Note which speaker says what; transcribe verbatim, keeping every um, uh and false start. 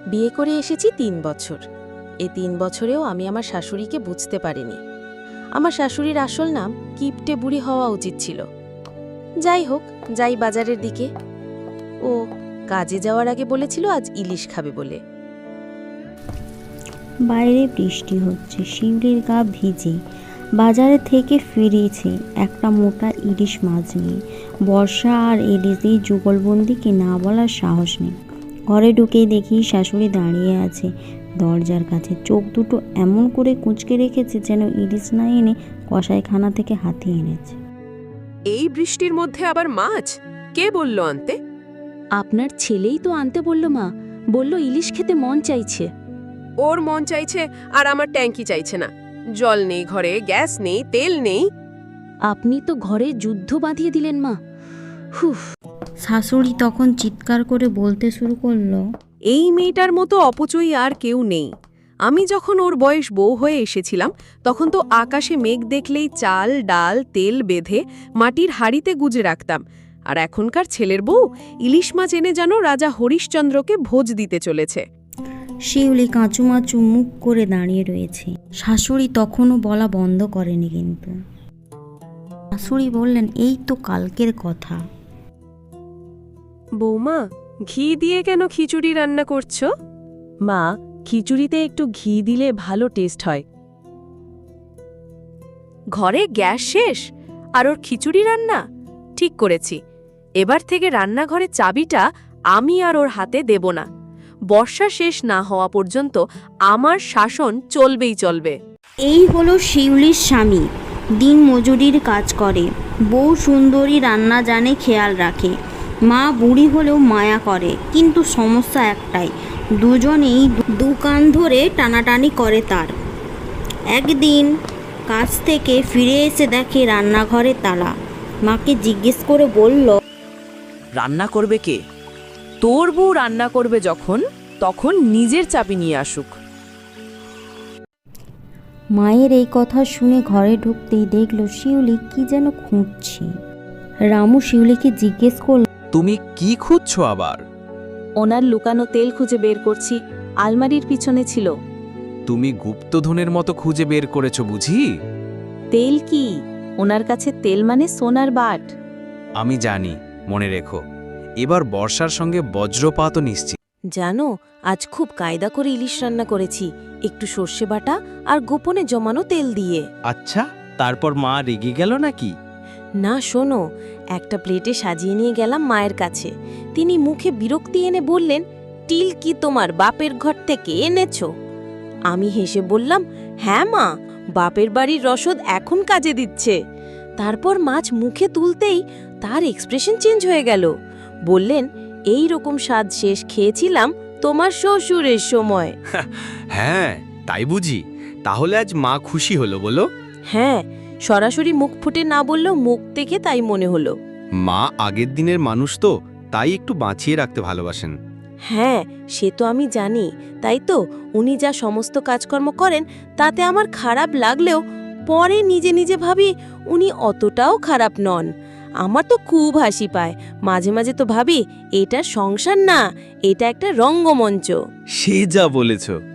Speaker 1: বিয়ে করে এসেছি তিন বছর। এই তিন বছরেও আমি আমার শাশুড়িকে বুঝতে পারিনি। আমার শাশুড়ির আসল নাম কিপটে বুড়ি হওয়া উচিত ছিল। যাই হোক, যাই বাজারের দিকে। ও কাজে যাওয়ার আগে বলেছিল আজ ইলিশ খাবে বলে।
Speaker 2: বাইরে বৃষ্টি হচ্ছে, শিউলির গা ভিজে। বাজারে থেকে ফিরেছে একটা মোটা ইলিশ মাছ নিয়ে। বর্ষা আর ইলিশের যুগলবন্দিকে না বলার সাহস নেই। ঘরে ঢুকেই দেখি শাশুড়ি দাঁড়িয়ে আছে দরজার কাছে, চোখ দুটো এমন করে কুঁচকে রেখেছে যেন ইলিশ না এনে কসাইখানা থেকে হাতিয়ে এনেছে।
Speaker 3: এই বৃষ্টির মধ্যে আবার মাছ কে বলল আনতে?
Speaker 1: আপনার ছেলেই তো আনতে বলল মা, বলল ইলিশ খেতে মন চাইছে।
Speaker 3: ওর মন চাইছে আর আমার ট্যাঙ্কি চাইছে না। জল নেই ঘরে, গ্যাস নেই, তেল নেই।
Speaker 1: আপনি তো ঘরে যুদ্ধ বাঁধিয়ে দিলেন মা। হুফ।
Speaker 2: শাশুড়ি তখন চিৎকার করে বলতে শুরু করলো,
Speaker 3: এই মেয়েটার মতো অপচয়ী আর কেউ নেই। আমি যখন ওর বয়স বউ হয়ে এসেছিলাম তখন তো আকাশে মেঘ দেখলেই চাল ডাল তেল বেঁধে মাটির হাড়িতে গুজে রাখতাম। আর এখনকার ছেলের বউ ইলিশ মাছ এনে যেন রাজা হরিশ্চন্দ্রকে ভোজ দিতে চলেছে।
Speaker 2: শিউলি কাঁচুমাচু মুখ করে দাঁড়িয়ে রয়েছে। শাশুড়ি তখনও বলা বন্ধ করেনি। কিন্তু শাশুড়ি বললেন, এই তো কালকের কথা।
Speaker 3: বৌমা, ঘি দিয়ে কেন খিচুড়ি রান্না করছো?
Speaker 1: মা, খিচুড়িতে একটু ঘি দিলে ভালো টেস্ট হয়।
Speaker 3: ঘরে গ্যাস শেষ আর ওর খিচুড়ি রান্না? ঠিক করেছি, এবার থেকে রান্নাঘরে চাবিটা আমি আর ওর হাতে দেব না। বর্ষা শেষ না হওয়া পর্যন্ত আমার শাসন চলবেই চলবে।
Speaker 2: এই হলো শিউলির স্বামী, দিন মজুরির কাজ করে। বউ সুন্দরী, রান্না জানে, খেয়াল রাখে। মা বুড়ি হলেও মায়া করে, কিন্তু সমস্যা একটাই, দুজনেই দু কান ধরে টানাটানি করে তার। একদিন কাজ থেকে ফিরে এসে দেখে রান্নাঘরে তালা। মাকে জিজ্ঞেস করে বলল,
Speaker 4: রান্না করবে কে? তোর বউ রান্না করবে যখন, তখন নিজের চাবি নিয়ে আসুক।
Speaker 2: মায়ের এই কথা শুনে ঘরে ঢুকতেই দেখলো শিউলি কি যেন খুঁজছে। রামু শিউলিকে জিজ্ঞেস করল,
Speaker 5: তুমি কি খুঁজছো আবার?
Speaker 1: ওনার লুকানো তেল খুঁজে বের করছি, আলমারির পিছনে ছিল।
Speaker 5: তুমি গুপ্তধনের মতো খুঁজে বের করেছো বুঝি?
Speaker 1: তেল কি? ওনার কাছে তেল মানে সোনার বাট।
Speaker 5: আমি জানি, মনে রেখো। এবার বর্ষার সঙ্গে বজ্রপাতও নিশ্চিত।
Speaker 1: জানো, আজ খুব কায়দা করে ইলিশ রান্না করেছি, একটু সর্ষে বাটা আর গোপনে জমানো তেল দিয়ে।
Speaker 6: আচ্ছা, তারপর মা রেগে গেল নাকি?
Speaker 1: না, শোনো, একটা প্লেটে সাজিয়ে নিয়ে গেলাম মায়ের কাছে। তিনি মুখে বিরক্তি এনে বললেন, টিল কি তোমার বাপের ঘর থেকে এনেছো? আমি হেসে বললাম, হ্যাঁ মা, বাপের বাড়ির রসদ এখন কাজে দিচ্ছে। তারপর মাছ মুখে তুলতেই তার এক্সপ্রেশন চেঞ্জ হয়ে গেল। বললেন, এই রকম স্বাদ শেষ খেয়েছিলাম তোমার শ্বশুরের সময়।
Speaker 6: হ্যাঁ, তাই বুঝি? তাহলে আজ মা খুশি হলো বলো?
Speaker 1: হ্যাঁ, সরাসরি মুখ ফুটে না বললেও মুখ থেকে তাই মনে হলো।
Speaker 6: মা আগের দিনের মানুষ তো, তাই একটু বাঁচিয়ে রাখতে ভালোবাসেন।
Speaker 1: হ্যাঁ, সে তো আমি জানি। তাই তো উনি যা সমস্ত কাজকর্ম করেন তাতে আমার খারাপ লাগলেও পরে নিজে নিজে ভাবি উনি অতটাও খারাপ নন। আমার তো খুব হাসি পায়। মাঝে মাঝে তো ভাবি এটা সংসার না, এটা একটা রঙ্গমঞ্চ।
Speaker 6: সে যা বলেছ।